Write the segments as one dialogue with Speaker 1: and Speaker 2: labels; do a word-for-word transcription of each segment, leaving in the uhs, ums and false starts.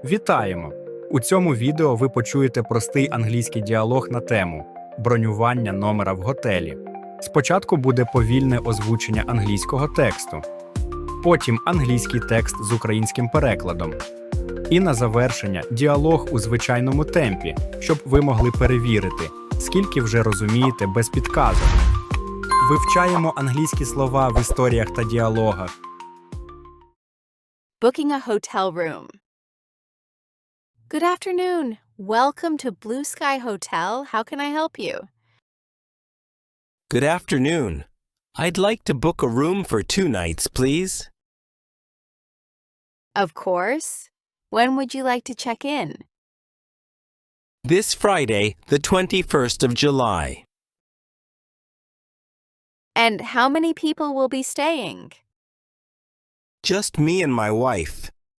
Speaker 1: Вітаємо! У цьому відео ви почуєте простий англійський діалог на тему бронювання номера в готелі. Спочатку буде повільне озвучення англійського тексту, потім англійський текст з українським перекладом. І на завершення діалог у звичайному темпі, щоб ви могли перевірити, скільки вже розумієте без підказок. Вивчаємо англійські слова в історіях та діалогах.
Speaker 2: Booking a hotel room. Good afternoon. Welcome to Blue Sky Hotel. How can I help you?
Speaker 3: Good afternoon. I'd like to book a room for two nights, please.
Speaker 2: Of course. When would you like to check in?
Speaker 3: This Friday, the twenty-first of July.
Speaker 2: And how many people will be staying?
Speaker 3: Just me and my wife.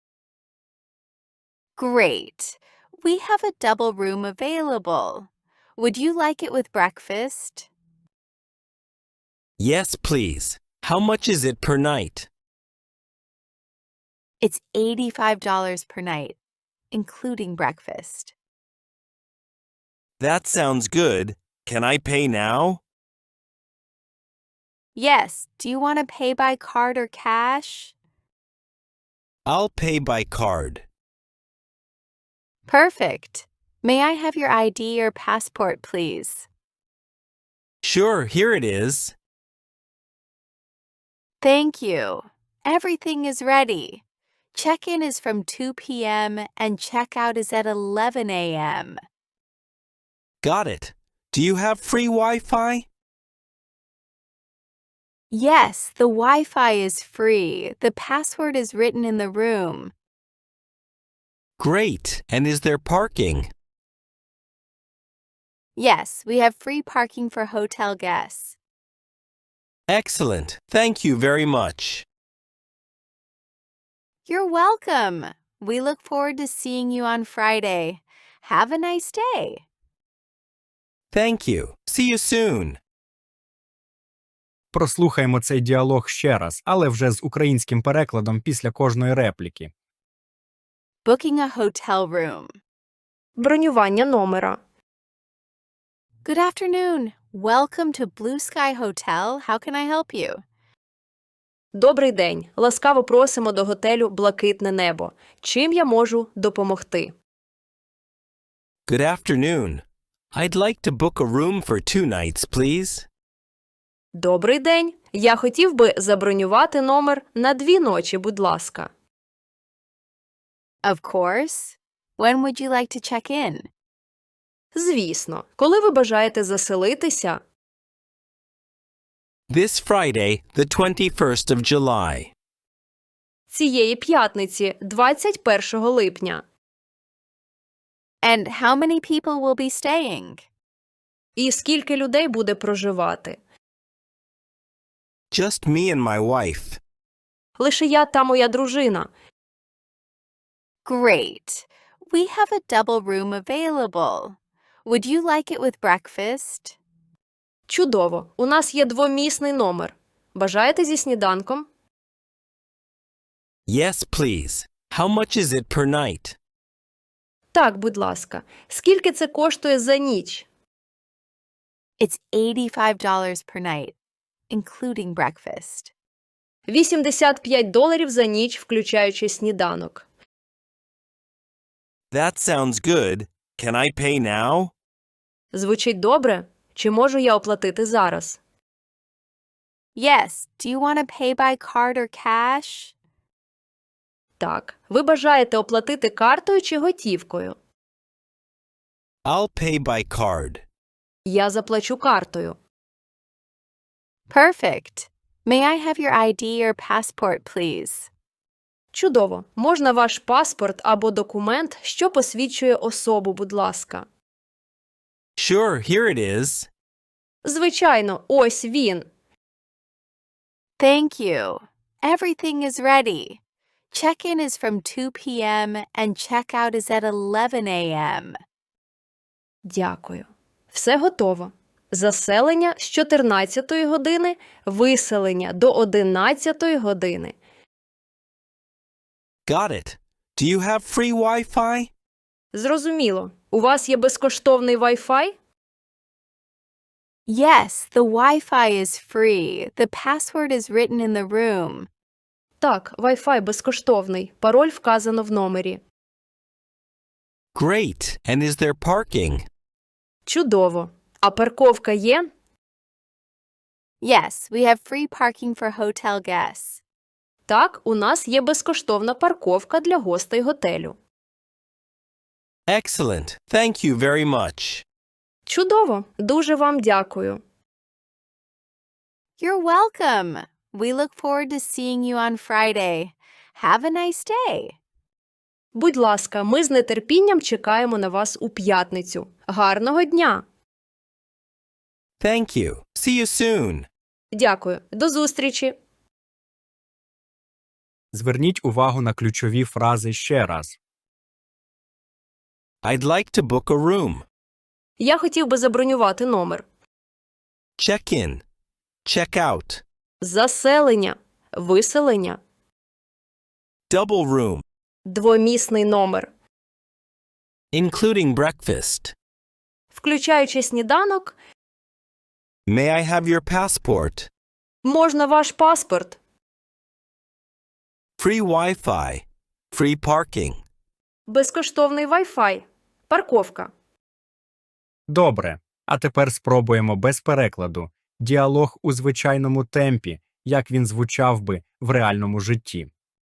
Speaker 2: Great. We have a double room available. Would you like it with breakfast?
Speaker 3: Yes, please. How much is it per night?
Speaker 2: It's eighty-five dollars per night, including breakfast.
Speaker 3: That sounds good. Can I pay now?
Speaker 2: Yes. Do you want to pay by card or cash?
Speaker 3: I'll pay by card.
Speaker 2: Perfect. May I have your I D or passport, please?
Speaker 3: Sure, here it is.
Speaker 2: Thank you. Everything is ready. Check-in is from two p.m. and check-out is at eleven a.m.
Speaker 3: Got it. Do you have free Wi-Fi?
Speaker 2: Yes, the Wi-Fi is free. The password is written in the room.
Speaker 3: Great. And is there parking?
Speaker 2: Yes, we have free parking for hotel guests.
Speaker 3: Excellent. Thank you very much.
Speaker 2: You're welcome. We look forward to seeing you on Friday. Have a nice day.
Speaker 3: Thank you. See you soon.
Speaker 1: Прослухаймо цей діалог ще раз, але вже з українським перекладом після кожної репліки.
Speaker 2: Booking a hotel room.
Speaker 4: Бронювання номера.
Speaker 2: Good afternoon. Welcome to Blue Sky Hotel. How can I help you?
Speaker 4: Добрий день. Ласкаво просимо до готелю «Блакитне небо». Чим я можу допомогти?
Speaker 3: Good afternoon. I'd like to book a room for two nights, please.
Speaker 4: Добрий день. Я хотів би забронювати номер на дві ночі, будь ласка.
Speaker 2: Of course. When would you like to check in?
Speaker 4: Звісно. Коли ви бажаєте заселитися?
Speaker 3: This Friday, the twenty-first of July.
Speaker 4: Цієї п'ятниці, двадцять першого липня.
Speaker 2: And how many people will be staying?
Speaker 4: І скільки людей буде проживати?
Speaker 3: Just me and my wife.
Speaker 4: Лише я та моя дружина.
Speaker 2: Great. We have a double room available. Would you like it with breakfast?
Speaker 4: Чудово. У нас є двомісний номер. Бажаєте зі сніданком?
Speaker 3: Yes, please. How much is it per night?
Speaker 4: Так, будь ласка. Скільки це коштує за ніч?
Speaker 2: It's eighty-five dollars per night, including breakfast.
Speaker 4: вісімдесят п'ять доларів за ніч, включаючи сніданок.
Speaker 3: That sounds good. Can I pay now?
Speaker 4: Звучить добре? Чи можу я оплатити зараз?
Speaker 2: Yes. Do you want to pay by card or cash?
Speaker 4: Так. Ви бажаєте оплатити картою чи готівкою?
Speaker 3: I'll pay by card.
Speaker 4: Я заплачу картою.
Speaker 2: Perfect. May I have your I D or passport, please?
Speaker 4: Чудово. Можна ваш паспорт або документ, що посвідчує особу, будь ласка.
Speaker 3: Sure, here it is.
Speaker 4: Звичайно, ось він.
Speaker 2: Thank you. Everything is ready. Check-in is from two p.m. and check-out is at eleven a.m.
Speaker 4: Дякую. Все готово. Заселення з чотирнадцятої години, виселення до одинадцятої години.
Speaker 3: Got it. Do you have free Wi-Fi?
Speaker 4: Зрозуміло. У вас є безкоштовний Wi-Fi?
Speaker 2: Yes, the Wi-Fi is free. The password is written in the room.
Speaker 4: Так, Wi-Fi безкоштовний. Пароль вказано в номері.
Speaker 3: Great. And is there parking?
Speaker 4: Чудово. А парковка є?
Speaker 2: Yes, we have free parking for hotel guests.
Speaker 4: Так, у нас є безкоштовна парковка для гостей готелю.
Speaker 3: Excellent. Thank you very much.
Speaker 4: Чудово. Дуже вам дякую.
Speaker 2: You're welcome. We look forward to seeing you on Friday. Have a nice day.
Speaker 4: Будь ласка, ми з нетерпінням чекаємо на вас у п'ятницю. Гарного дня!
Speaker 3: Thank you. See you soon.
Speaker 4: Дякую. До зустрічі!
Speaker 1: Зверніть увагу на ключові фрази ще раз.
Speaker 3: I'd like to book a room.
Speaker 4: Я хотів би забронювати номер.
Speaker 3: Check in. Check out.
Speaker 4: Заселення. Виселення.
Speaker 3: Double room.
Speaker 4: Двомісний номер.
Speaker 3: Including breakfast.
Speaker 4: Включаючи сніданок,
Speaker 3: May I have your passport?
Speaker 4: можна ваш паспорт.
Speaker 3: Free Wi-Fi. Free parking.
Speaker 4: Безкоштовний Wi-Fi. Парковка.
Speaker 1: Добре. А тепер спробуємо без перекладу. Діалог у звичайному темпі, як він звучав би в реальному житті.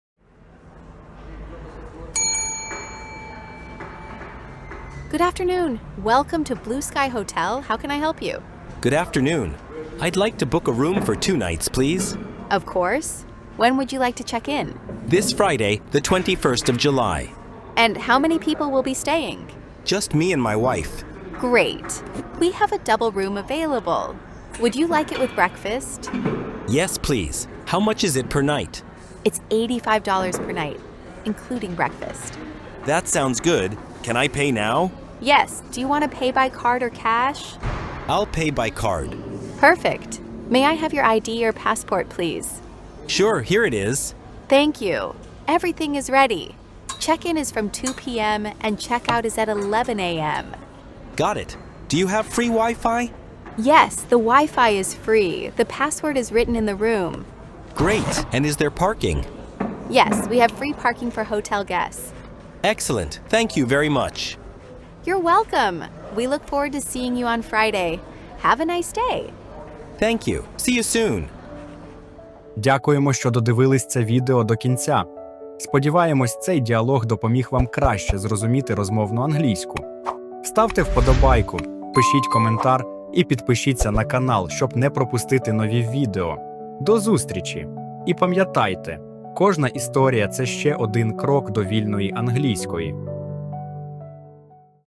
Speaker 2: Good afternoon. Welcome to Blue Sky Hotel. How can I help you?
Speaker 3: Good afternoon. I'd like to book a room for two nights, please.
Speaker 2: Of course. When would you like to check in?
Speaker 3: This Friday, the twenty-first of July.
Speaker 2: And how many people will be staying?
Speaker 3: Just me and my wife.
Speaker 2: Great. We have a double room available. Would you like it with breakfast?
Speaker 3: Yes, please. How much is it per night?
Speaker 2: It's eighty-five dollars per night, including breakfast.
Speaker 3: That sounds good. Can I pay now?
Speaker 2: Yes. Do you want to pay by card or cash?
Speaker 3: I'll pay by card.
Speaker 2: Perfect. May I have your I D or passport, please?
Speaker 3: Sure, here it is.
Speaker 2: Thank you. Everything is ready. Check-in is from two p.m. and check-out is at eleven a.m.
Speaker 3: Got it. Do you have free Wi-Fi?
Speaker 2: Yes, the Wi-Fi is free. The password is written in the room.
Speaker 3: Great. And is there parking?
Speaker 2: Yes, we have free parking for hotel guests.
Speaker 3: Excellent. Thank you very much.
Speaker 2: You're welcome. We look forward to seeing you on Friday. Have a nice day.
Speaker 3: Thank you. See you soon.
Speaker 1: Дякуємо, що додивились це відео до кінця. Сподіваємось, цей діалог допоміг вам краще зрозуміти розмовну англійську. Ставте вподобайку, пишіть коментар і підпишіться на канал, щоб не пропустити нові відео. До зустрічі! І пам'ятайте, кожна історія – це ще один крок до вільної англійської.